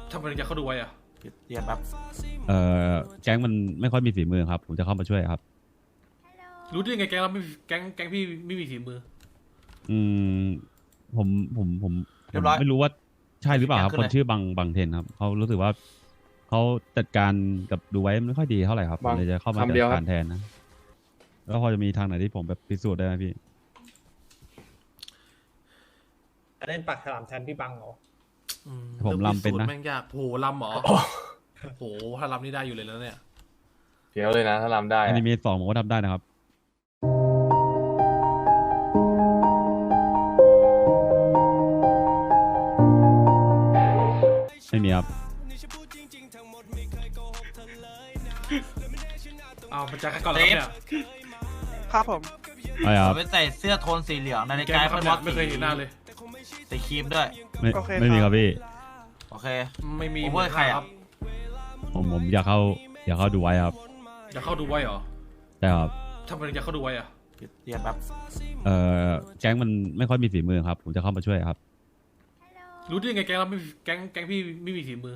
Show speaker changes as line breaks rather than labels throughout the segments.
ทำไมถึงจะเข้าดูไว้อะ
เรียนแบบ
แก๊งมันไม่ค่อยมีฝีมือครับผมจะเข้ามาช่วยครับ
รู้ได้ยังไงแก๊งเราไม่แก๊งพี่ไม่มีฝีมือ
อืมผมไม่รู้ว่าใช่หรือเปล่าครับคนชื่อบังเทนครับเขารู้สึกว่าเขาจัดการกับดูไว้ไม่ค่อยดีเท่าไหร่ครับผมเลยจะเข้ามาจัดการแทนนะแล้วพอจะมีทางไหนที่ผมแบบพิสูจน์ได้ไหมพี่
เล่นปากฉลามแทนพี่บังเหรอ
ผมลำเป็นนะ
แม่งยากโหลำหรอโหถ้าลำนี่ได้อยู่เลยแล้วเนี่ย
เฟี้ยวเลยนะถ้าลำได้
อนิเมะ2ผมก็ทำได้นะครับไม่มีครับ
เอามาจากก่อนแล้วเนี่ย
ครับผม
ไม่ครับ
ไปใส่เสื้อโทนสีเหลืองใน
แก
กาย
ไม่
เป็นวัด
ไม่เคยเห็นหน้าเลย
สีครีมด้วย
ไม่มีครับพี่
โอเค
ไม่มี
โอเวอร์ใครอ่ะ
ผมอยากเข้าดูไว้ครับ
อยากเข้าดูไว้เหรอ
ใช่ครับ
ทำไมถึงจะเข้าดูไว้อะ
เรียนแบบ
แก๊งมันไม่ค่อยมีฝีมือครับผมจะเข้ามาช่วยครับ
รู้ได้ยังไงแก๊งเราไม่แก๊งพี่ไม่มีฝีมือ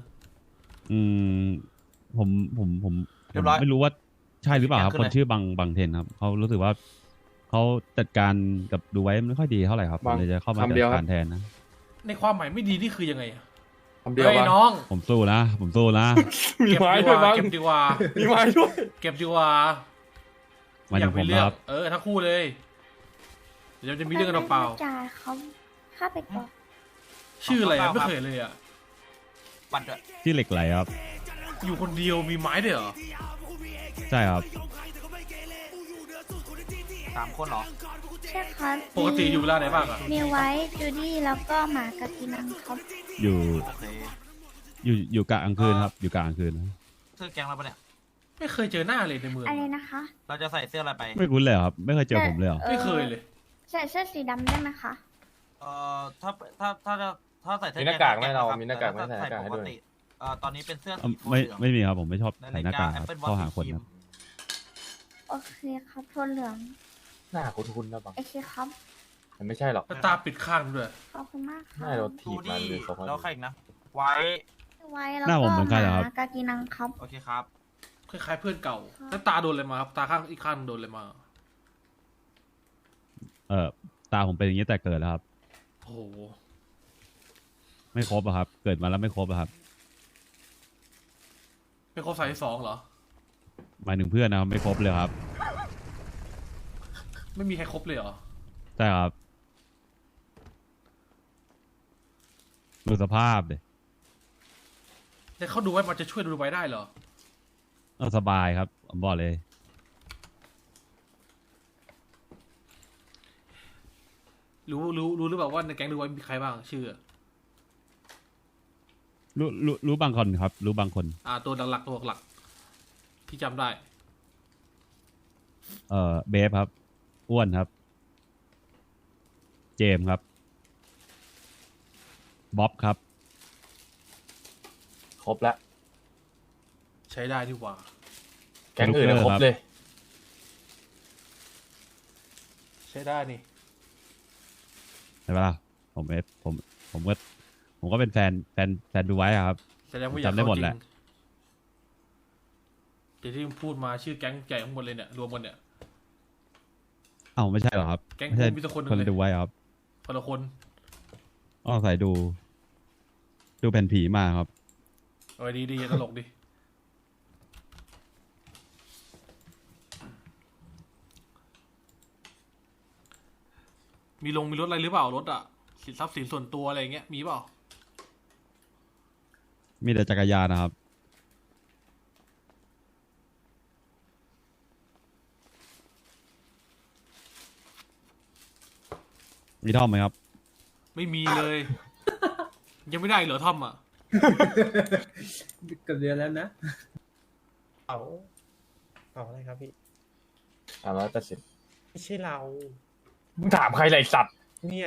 ผมไม่รู้ว่าใช่หรือเปล่าครับคนชื่อบังเทนครับเขารู้สึกว่าเขาจัดการกับดูไว้ไม่ค่อยดีเท่าไหร่ครับผมเลยจะเข้ามาจัดการแทนนะ
ในความหมายไม่ดีนี่คือยังไงอะ
คำเดียว
น้อง
ผมสู้นะ
มีไม้ด้วยบ้าง
เก็บดีกว่า
มีไม้ด้วย
เก็บดีกว่า
มาอย่างผมครับ
ทั้งคู่เลยเดี๋ยวจะมีเรื่องกันเปล่า
จ่าเขาฆ่าไปก่อน
ชื่ออะไรอะไม่เคยเลยอะ
บัตรด้วย
ที่เหล็กไหลครับ
อยู่คนเดียวมีไม้ด้วยเหรอ
ใช่ครับ
3 คนเหรอ
ใช่ครับ
ปกติอยู่เวลาไหนบ้างอะ
มีไว้จูดี้แล้วก็หมากากินังครับ
อยู่กะกลางคืนครับอยู่กะกลางคืน
เสื้อแก๊งเราปะเนี่ย
ไม่เคยเจอหน้าเลยในเมือง
อะไรนะคะ
เราจะใส่เสื้ออะไรไป
ไม่คุ้นเลยครับไม่เคยเจอผมเลย
ไม่เคยเลย
ใส่เสื้อสีดำได้ไหมคะ
ถ้าใส่เสื้อ
มีหน้ากากไหมเรามีหน้ากากไหมใส่หน้ากากให้ด้วย
ตอนนี้เป็นเสื้อ
ไม่มีครับผมไม่ชอบใส่หน้ากากครับเข้าหาคนครับ
โอเคครับโทนเหลือง
หน้าคุ้นๆนะบัง
โอเคครับ
มันไม่ใช่หรอก
ตาปิดข้างด้วย
ขอบคุณมากค่ะ
ไม่เราถีบมาเลยเขา
แล้วใครอีกนะไว้
แล้วก็หมากากินังครับ
โอเคครับ
คล้ายๆเพื่อนเก่าแล้วตาโดนอะไรมาครับตาข้างอีกข้างโดนอะไรมา
ตาผมเป็นอย่างนี้แต่เกิดแล้วครับ
โอ้โห
ไม่ครบอะครับเกิดมาแล้วไม่ครบอะครับ
ไม่ครบ32เหรอ
หมายถึงเพื่อนนะครับไม่ครบเลยครับ
ไม่มีใครครบเลยเหรอ
ใช่ครับดูสภาพเลย
แต่เขาดูไว้มันจะช่วยดูไว้ได้เหรอ
สบายครับผมบอกเลย
รู้หรือเปล่าว่าในแก๊งดูไว้มีใครบ้างชื่อ
รู้บางคนครับรู้บางคน
ตัวหลักที่จำได้
เบฟครับอ้วนครับเจมส์ครับบ๊อบครับ
ครบแล้ว
ใช้ได้ดีกว่า
แก๊งอื่นครบเลย
ใช้ได้นี่
ใช่ปะล่ะผมก็เป็นแฟนดูไว้ครับจำได้หมดแหละ
แต่ที่พูดมาชื่อแก๊งใหญ่ทั้งหมดเลยเนี่ยรวมกันเนี่ย
ไม่ใช่หรอครับ
แก๊งมีแต่
คนดูไว้ครับ
คนละคน
ใส่ดูแผ่นผีมาครับ
ดีตลกดิมีรถอะไรหรือเปล่ารถอะสินทรัพย์สินส่วนตัวอะไรเงี้ยมีเปล่า
มีแต่จักรยานนะครับมีท่อมไหมครับ
ไม่มีเลย ยังไม่ได้เหรอท่อมอ่ะ
กับเดือนแล้วนะเอาอะไรครับพี่
380
ไม่ใช่เรา
มึงถามใครไรสัตว์
เนี่ย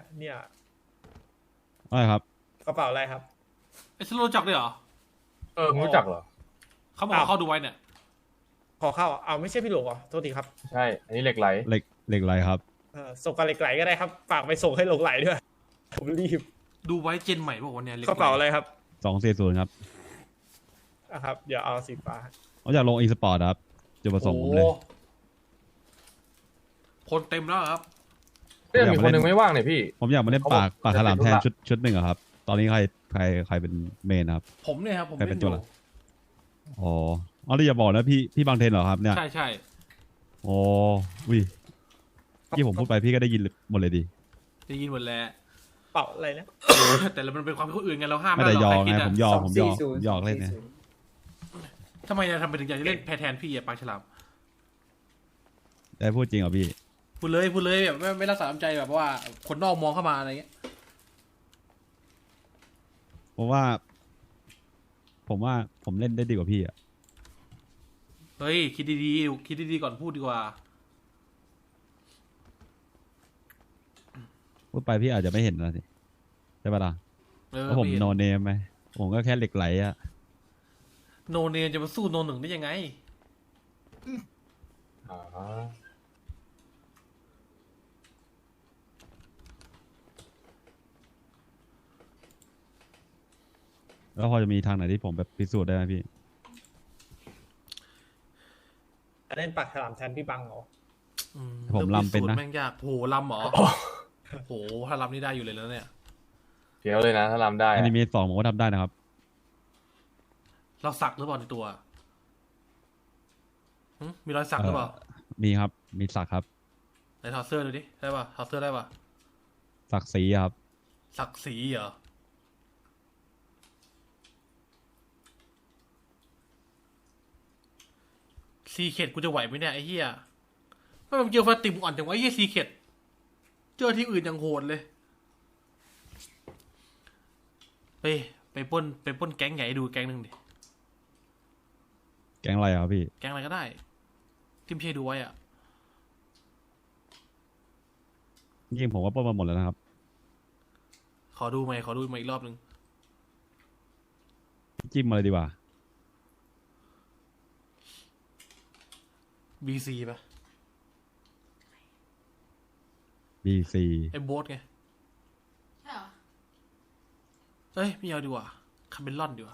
อะไรครับ
กระเป๋าอะไรครับ
ไอ้สโลจักด้วยเหรอ
มึงรู้จักเหรอ
เขาบอกเข้าดูไว้เนี่ย
ขอเข้าไม่ใช่พี่หลวงเหรอโทษทีครับ
ใช่อันนี้เหล็กไหล
ครับ
ส่งกับเหล็กไหลก็ได้ครับฝากไปส่งให้เหล็กไหลด้วยผมรีบ
ดูไว้เจนใหม่บอกว่าเนี่ย
กระเป๋าอะไรครับ
240ครับ
ครับ เดี๋ยวเอาสีฟ้า
ผมอยากลงอีสปอร์ตครับจุดประสงค์ผมเลย
โอ้คนเต็มแล้วครับ
เรื่องมีคนหนึ่งไม่ว่างเนี่ยพี่
ผมอยากมาเล่นปากฉลามแทนชุดหนึ่งอะครับ ตอนนี้ใครเป็นเมนครับ
ผมเนี่ยครับผม
ใครเป็
เล่
น
น
ตั
อ
ว
ยู่
หลัก อ๋อแล้วอย่าบอกนะพี่บางเทนเหรอครับเนี่ย
ใช่ใช่
โอ้วิที่ผมพูดไปพี่ก็ได้ยินหมดเลยดิ
ได้ยินหมดแล้ว
เป่าอะไรนะ
แต่มันเป็นความคิดคนอื่นไงเราห้าม
ไม่ได้
ด้หร
ย
ก
อ
ใคร
ไง
คิดะ
ผมหยอกเล่นเนี่ย
ทำไมทำไมถึงอยากจะเล่นแพแทนพี่อะปากฉลาม
ได้พูดจริงเหรอพี่
พูดเลยแบบไม่รักษาน้ำใจแบบว่าคนนอกมองเข้ามาอะไรเงี้ย
ผมว่าผมเล่นได้ดีกว่าพี่อะ
เฮ้ยคิดดีๆก่อนพูดดีกว่า
พูดไปพี่อาจจะไม่เห็นนะสิใช่ปะล่ะ
เออ
เพราะผมโนเนมไหมผมก็แค่เหล็กไหลอะ
โนเนมจะมาสู้โนหนึ่งได้ยังไง
อ๋อ
แล้วพอจะมีทางไหนที่ผมแบบพิสูจน์ได้ไหมพี่
จะเล่นปากฉลามแทนพี่บังเหรอ
ผมลำเป็นนะ
แม่งยากโหลำเหรอโหถ้าลำนี่ได้อยู่เลยแล้วเนี่ย
เดี๋ยวเลยนะถ้าทำได้
อ
อะ
นิเมะ2ผมก็ทำได้นะครับ
เราสักหรือเปล่าในตัวมีรอยสักหรือเปล่า
มีครับมีสักครับ
ไหนถอดเสื้อดูดิได้ป่ะถอดเสื้อได้ป่ะ
สักสีครับ
สักสีเหรอซีเข็ดกูจะไหวไหมเนี่ยไอ้เหี้ยไม่มันเจอฟาติมอ่อนจังวะไอ้เหี้ยซีเข็ดเจอที่อื่นยังโหดเลยไปปล้นแก๊งใหญ่ให้ดูแก๊งหนึ่งดิ
แก๊งอะไรอะครับพี่
แก๊งอะไรก็ได้ที่ไม่ใช่ดูไว้อะ
จริงๆผมก็ปล้นมาหมดแล้วนะครับ
ขอดูมาอีกรอบหนึ่ง
จิ้มมาเลยดีกว่า
BC ป่ะ
BC
ไอ้โบ๊ทไงเอ้ยไม่เอาดีกว่าคาเมลอนดีกว่า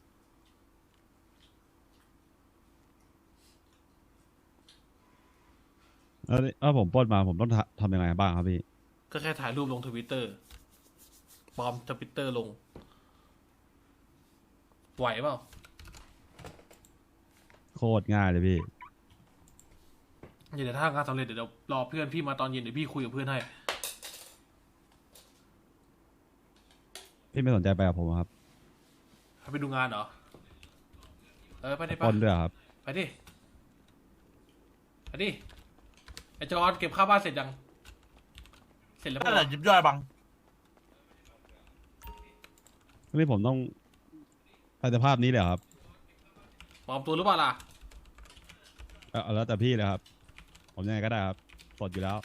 แล้วถ้าผมปล้นมาผมต้องทำยังไงบ้างครับพี่
ก็แค่ถ่ายรูปลงทวิตเตอร์ปลอมทวิตเตอร์ลงไหวเปล่า
โคตรง่ายเลยพี่
เดี๋ยวถ้างานสำเร็จเดี๋ยวรอเพื่อนพี่มาตอนเย็นเดี๋ยวพี่คุยกับเพื่อนให้
พี่ไม่สนใจไปกับผมเหรอครับ
ไปดูงานเหรอไปดิ
ปล้นด้วยเหรอครับ
ไปดิไอจอนเก็บค่าบ้านเสร็จยังเสร็จแล้ว
นั่นแห
ปะ
ละยิบย่อยบัง
นี่ผมต้องไปสภาพนี้เลยเหรอครับ
ปลอมตัวหรือเปล่าล่ะ
เอาแล้วแต่พี่เลยครับ ผมยังไงก็ได้ครับสดอยู่แล้ว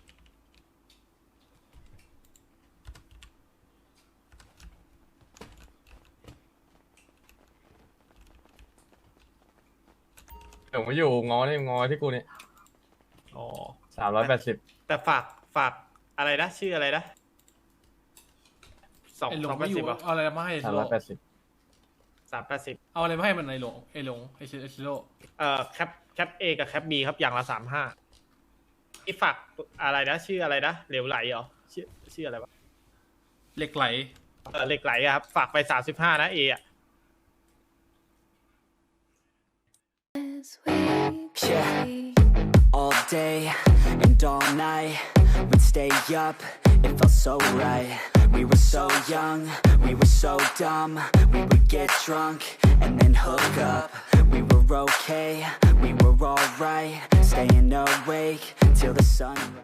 เดี๋ยวมาอยู่งอที่กูเนี่ย
อ๋อ
380
แต่ฝากอะไรนะ ชื่ออะไรนะ
ไอหลง
280
ไม่อยู่
อ่ะ
เอาอะไรมาให้ไอซิโร่
380
380
เอาอะไรมาให้มันไอหลงไอซิโร่
แคป A กับแคป B ครับอย่างละ35ที่ฝากอะไรนะ ชื่ออะไรนะเหลวไหลเหรอชื่ออะไรวะ
เหล็กไหล
เหล็กไหลอะครับ ฝากไป35นะ A อ่ะ
Yeah, all day and all night, we'd stay up, it felt so right. We were so young, we were so dumb, we would get drunk and then hook up. We were okay, we were alright, staying awake till the sun